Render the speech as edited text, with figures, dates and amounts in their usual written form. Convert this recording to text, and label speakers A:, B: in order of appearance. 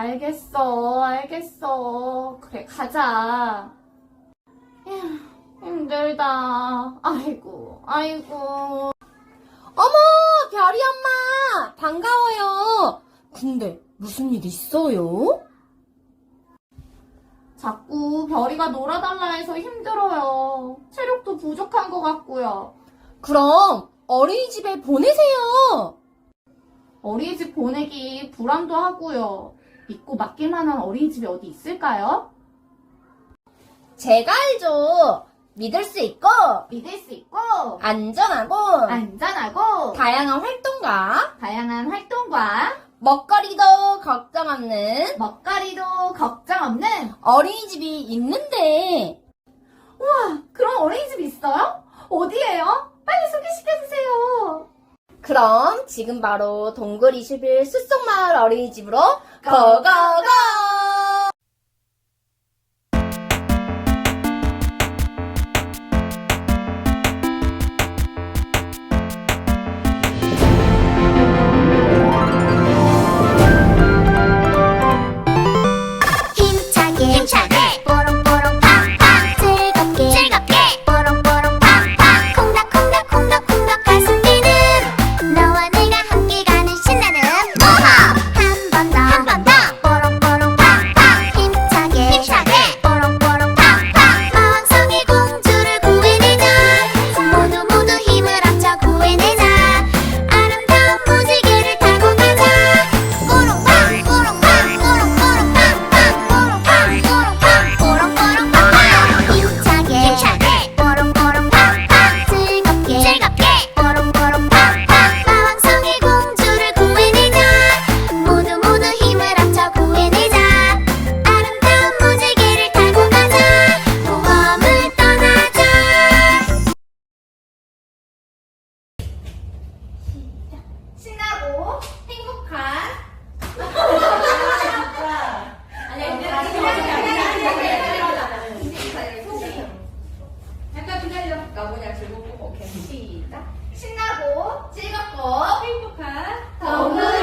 A: 알겠어. 그래, 가자. 휴, 힘들다. 아이고.
B: 어머, 별이 엄마! 반가워요. 근데 무슨 일 있어요?
A: 자꾸 별이가 놀아달라 해서 힘들어요. 체력도 부족한 것 같고요.
B: 그럼 어린이집에 보내세요.
A: 어린이집 보내기 불안도 하고요. 믿고 맡길 만한 어린이집이 어디 있을까요?
B: 제가 알죠. 믿을 수 있고
A: 믿을 수 있고
B: 안전하고
A: 다양한 활동과
B: 먹거리도 걱정 없는
A: 먹거리도 걱정 없는
B: 어린이집이 있는데
A: 우와, 그런 어린이집이 있어요? 어디예요? 빨리 소개시켜주세요.
B: 그럼 지금 바로 동굴 21 숲속마을 어린이집으로 고고고!
C: 힘차게 뽀롱뽀롱 팡팡 즐겁게 뽀롱뽀롱 팡팡 콩닥콩닥 가슴 뛰는 너와 내가 함께 가는 신나는 모험 한 번 더 뽀롱뽀롱 팡팡 힘차게 뽀롱뽀롱 팡팡 마왕성의 공주를 구해내자 모두 힘을 합쳐 구해내자 아름다운 무지개를 타고 가자 뽀롱팡 힘차게 뽀롱뽀롱 팡팡 즐겁게 뽀롱뽀롱 팡팡 마왕성의 공주를 구해내자 모두 힘을 합쳐 구해내자 아름다운 무지개를 타고 가자 모험을 떠나자
A: 신나고 행복한
D: 잠깐 기다려. 나무냐 즐겁고 오케이. 시작.
A: 신나고
D: 즐겁고 행복한
A: 동물